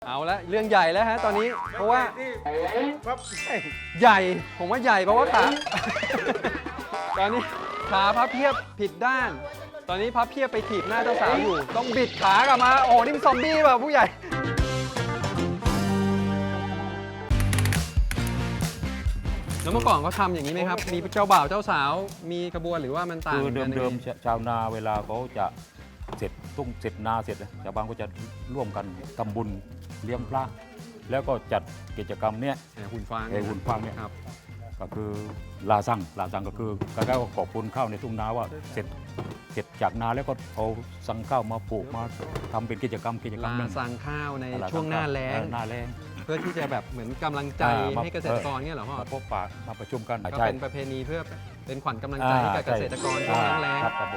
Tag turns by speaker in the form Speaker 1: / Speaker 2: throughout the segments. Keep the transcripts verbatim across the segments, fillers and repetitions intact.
Speaker 1: เอาละเรื่องใหญ่แล้วฮะตอนนี้เพราะว่าใหญ่ผมว่าใหญ่เพราะว่าขา ตอนนี้ขาพับเพียบผิดด้าน ตอนนี้พับเพียบไปถีบหน้าเจ้าสาวอยู่ต้องบิดขากลับมาโอ้นี่มันซอมบี้แบบผู้ใหญ่แล้วเมื่อก่อนเขาทำอย่างนี้ไหมครับมีเจ้าบ่าวเจ้าสาวมีขบวนหรือว่ามันต่าง
Speaker 2: คือ
Speaker 1: กัน
Speaker 2: เดิมๆชาวนาเวลาเขาจะเสร็จตุ้งเสร็จนาเสร็จชาวบ้านก็จะร่วมกันทำบุญเลี้ยงพระแล้วก็จัดกิจกรรมเนี้ย
Speaker 1: แห่หุ่นฟาง
Speaker 2: ไอ้หุ่นฟางเนี่ย
Speaker 1: ครับ
Speaker 2: ก็คือลาซังลาซังก็คือก็ได้ขอบคุณข้าวในทุ่งนาว่าเสร็จเสร็จจากนาแล้วก็เอาสั่งข้าวมาปลูกมาทำเป็นกิจกรรมกิจกรรม
Speaker 1: ลา
Speaker 2: หนึ่ง
Speaker 1: สั่งข้าวใน
Speaker 2: ล
Speaker 1: ช่วงหน้าแล้ง
Speaker 2: หน้าแล้ง
Speaker 1: เพื่อที่จะแบบเหมือนกำลังใจ
Speaker 2: อ่ามา
Speaker 1: ให้เกษตรกรเนี่ยเหรอพ่อ
Speaker 2: มาพบปะมาประชุมกัน
Speaker 1: ก็
Speaker 2: ใช่
Speaker 1: เป็นประเพณีเพื่อเป็นขวัญกำลังใจให้กับเกษตรกรช่วงหน้าแล้ง
Speaker 2: ครับครับผม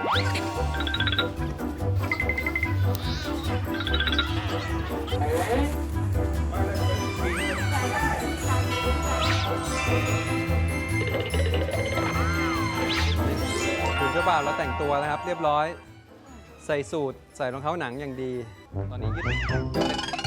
Speaker 1: ถึงเจ้าบ่าวแล้วแต่งตัวนะครับ เรียบร้อยใส่สูทใส่รองเท้าหนังอย่างดี ตอนนี้ยืด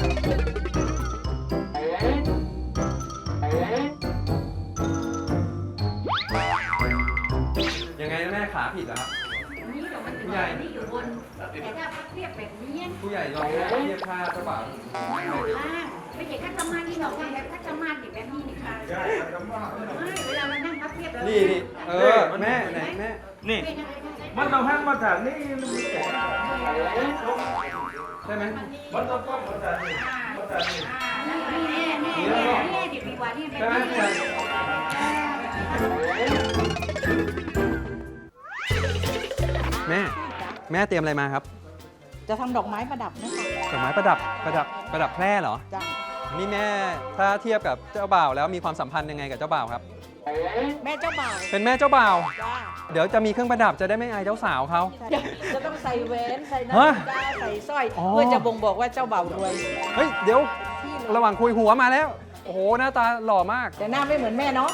Speaker 1: ยังไงนะแม่ขาผิดเหรอครับ
Speaker 3: นี่เดี๋ยวมัน
Speaker 1: ผู้ใหญ่
Speaker 3: นี่อยู่บนแต่ถ้าพักเรียบแบบนี้
Speaker 1: ผู้ใหญ่ลองแม่เทียบค่าเจ้าบ่าว
Speaker 3: อยู่ล่างไม่ใช่คัตมาที่เราทำแบบคัตมาติดแบบนี้นี่ค่ะไม่เวลามันนั่งพับเรียบแล้ว
Speaker 1: นี่นี่เออแม่ไหนแม่
Speaker 4: นี่
Speaker 3: เป็นยังไงคะ
Speaker 4: มันต้องหันมาทางนี้มันมีแก่
Speaker 1: ใช่ไหม
Speaker 4: มันต้องก้มมาทางนี้มาทางนี้
Speaker 3: อ่านี่แน่แน่แน่แน่ดิบดีกว่านี่แบบ
Speaker 1: ใช่ไหม
Speaker 3: นี้
Speaker 1: ผู้ใหญ่แม่แม่เตรียมอะไรมาครับ
Speaker 5: จะทำดอกไม้ประดับนะคะ
Speaker 1: ดอกไม้ประดับประดับประดับแพร่เหรอ
Speaker 5: จ้ะ
Speaker 1: นี่แม่ถ้าเทียบกับเจ้าบ่าวแล้วมีความสัมพันธ์ยังไงกับเจ้าบ่าวครับ
Speaker 5: แม่เจ้าบ่าว
Speaker 1: เป็นแม่เจ้าบ่าว
Speaker 5: จ้า
Speaker 1: เดี๋ยวจะมีเครื่องประดับจะได้ไม่อายเจ้าสาวเขา
Speaker 5: จะต้องใส่แหวนใส่นา
Speaker 1: ฮะ
Speaker 5: ฬิกาใส่สร้อย
Speaker 1: อ๋อ
Speaker 5: เพื่อจะบ่งบอกว่าเจ้าบ่าวรวย
Speaker 1: เฮ้ยเดี๋ยวระหว่างคุยหัวมาแล้ว โอ้โหหน้าตาหล่อมาก
Speaker 5: แต่หน้าไม่เหมือนแม่เนาะ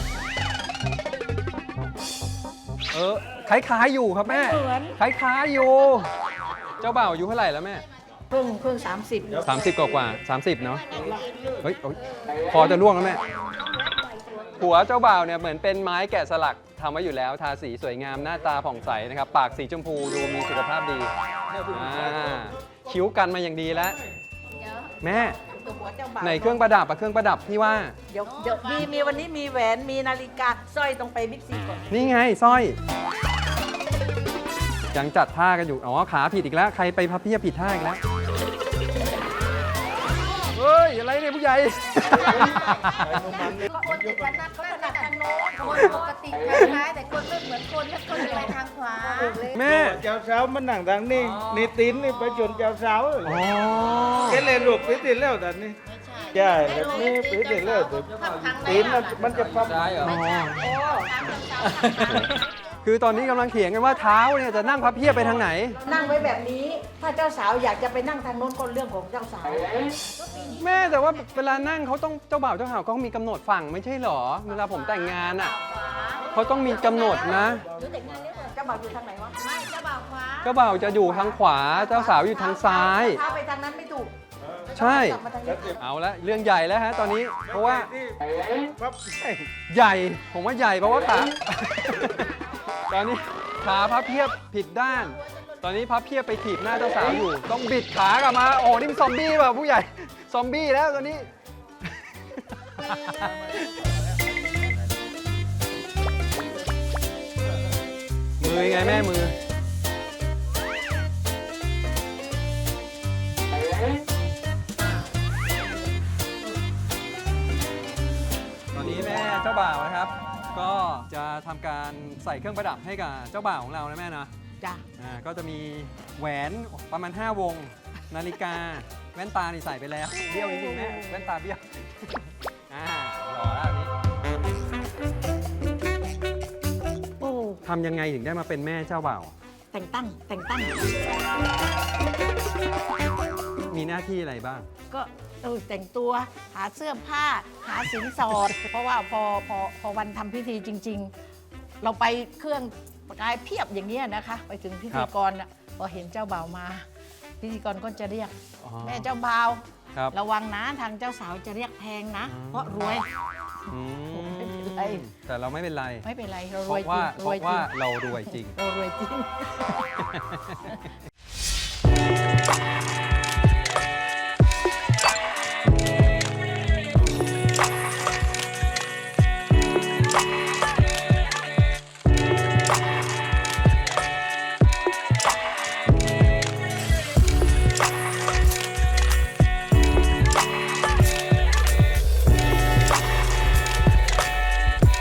Speaker 1: เออคล้ายๆอยู่ครับแม่
Speaker 5: ไม่เหมือน
Speaker 1: คล้ายๆอยู่ เจ้าบ่าวอายุเท่าไหร่แล้วแม่
Speaker 5: เพิ่งเพิ่งสามสิบ
Speaker 1: สามสิบกว่ากว่าสามสิบเนาะเฮ้ยโอ๊ยคอจะร่วงแล้วแม่หัวเจ้าบ่าวเนี่ยเหมือนเป็นไม้แกะสลักทำไว้อยู่แล้วทาสีสวยงามหน้าตาผ่องใสนะครับปากสีชมพูดูมีสุขภาพดีอ่าคิ้วกันมาอย่างดีแล้ว แม่
Speaker 5: ตัวหัวเจ้าบ่าว
Speaker 1: ในเครื่องประดับอะเครื่องประดับที่ว่า
Speaker 5: เดี๋ยวเดี๋ยวมีมีวันนี้มีแหวนมีนาฬิกาสร้อยต้องไปบิ๊กซีก่อน
Speaker 1: นี่ไงสร้อย ยังจัดท่ากันอยู่ อ๋อ ขาผิดอีกแล้ว ใครไปพับเพียบผิดท่าอีกแล้ว เฮ้ย อะไรเนี่ยผู้ใหญ่
Speaker 6: คนติดถนัดเขาถนัดทางโน้นคนปกติคล้ายๆแต่คนไม่เหมือนคนถ้าคนจะไปทางขวา
Speaker 1: แม่
Speaker 4: เจ้าสาวมันนั่งทางนี้นี่ตีนนี่ไปจนเจ้าสาว
Speaker 1: อ๋อ
Speaker 4: แกเลยลูกปีติดแล้วตอนนี้ใช่แบบนี้ปีติดแล้วตีนมันจะปั๊บ
Speaker 1: ได้เหรอ
Speaker 5: โอ้
Speaker 1: คือตอนนี้กำลังเถียงกันว่าเท้าเนี่ยจะนั่งพับเพียบไปทางไหน
Speaker 5: นั่งไว้แบบนี้ ถ้าเจ้าสาวอยากจะไปนั่งทางโน้นก็เรื่องของเจ้าสาว
Speaker 1: แม่แต่ว่าเวลานั่งเขาต้องเจ้าบ่าวเจ้าสาวเขามีกำหนดฝั่งไม่ใช่เหรอ เวลาผมแต่งงานอ่ะเขาต้องมีกำหนดนะ
Speaker 5: เจ้าบ่าวอยู่ทางไหนวะ
Speaker 6: ไม่เจ้าบ่าวขวา
Speaker 1: เจ้าบ่าวจะอยู่ทางขวา เจ้าสาวอยู่ทางซ้าย
Speaker 5: เท้าไปทางนั้นไม่ถูก
Speaker 1: ใช่
Speaker 5: กลับมาทางนี้
Speaker 1: เอาละเรื่องใหญ่แล้วฮะตอนนี้เพราะว่า
Speaker 4: ปั๊บ
Speaker 1: ใหญ่ผมว่าใหญ่เพราะว่าขา ตอนนี้ขาพับเพียบผิดด้าน ตอนนี้พับเพียบไปถีบหน้าเจ้าสาวอยู่ต้องบิดขากลับมาโอ้นี่มันซอมบี้แบบผู้ใหญ่ซอมบี้แล้วตอนนี้ มือยังไงแม่มือ ตอนนี้แม่เจ้าบ่าวนะครับ ก็จะทำการใส่เครื่องประดับให้กับเจ้าบ่าวของเรานะแม่นะ
Speaker 5: จ้ะ
Speaker 1: อ่าก็จะมีแหวนประมาณ ห้าวง นาฬิกา แว่นตานี่ใส่ไปแล้ว เบี้ยวนิดนึงแม่แว่นตาเบี้ยว อ่าหล่อแล้วอันนี้
Speaker 5: โอ้
Speaker 1: ทำยังไงถึงได้มาเป็นแม่เจ้าบ่าว
Speaker 5: แต่งตั้งแต่งตั้ง
Speaker 1: มีหน้าที่อะไรบ้าง
Speaker 5: ก็เออแต่งตัวหาเสื้อผ้า หาสินสอด เพราะว่าพอพอพอวันทำพิธีจริง ๆ เราไปเครื่องประกายเพียบอย่างเงี้ยนะคะ ไปถึงพิธีกรน่ะพอเห็นเจ้าบ่าวมา พิธีกรก็จะเรียก
Speaker 1: อ๋อ
Speaker 5: แม่เจ้าบ่าว
Speaker 1: ครับ
Speaker 5: ระวังนะทางเจ้าสาวจะเรียกแพงนะ
Speaker 1: อืม
Speaker 5: เพราะรวย
Speaker 1: อื
Speaker 5: ไม่เป็นไร
Speaker 1: แต่เราไม่เป็นไร
Speaker 5: ไม่เป็นไรเรา
Speaker 1: เพ
Speaker 5: รวย
Speaker 1: ราะ
Speaker 5: จริ
Speaker 1: ว่าง เพ
Speaker 5: รวย
Speaker 1: ราะ
Speaker 5: จริ
Speaker 1: ว่าง เรารวยจริง
Speaker 5: เรารวยจริง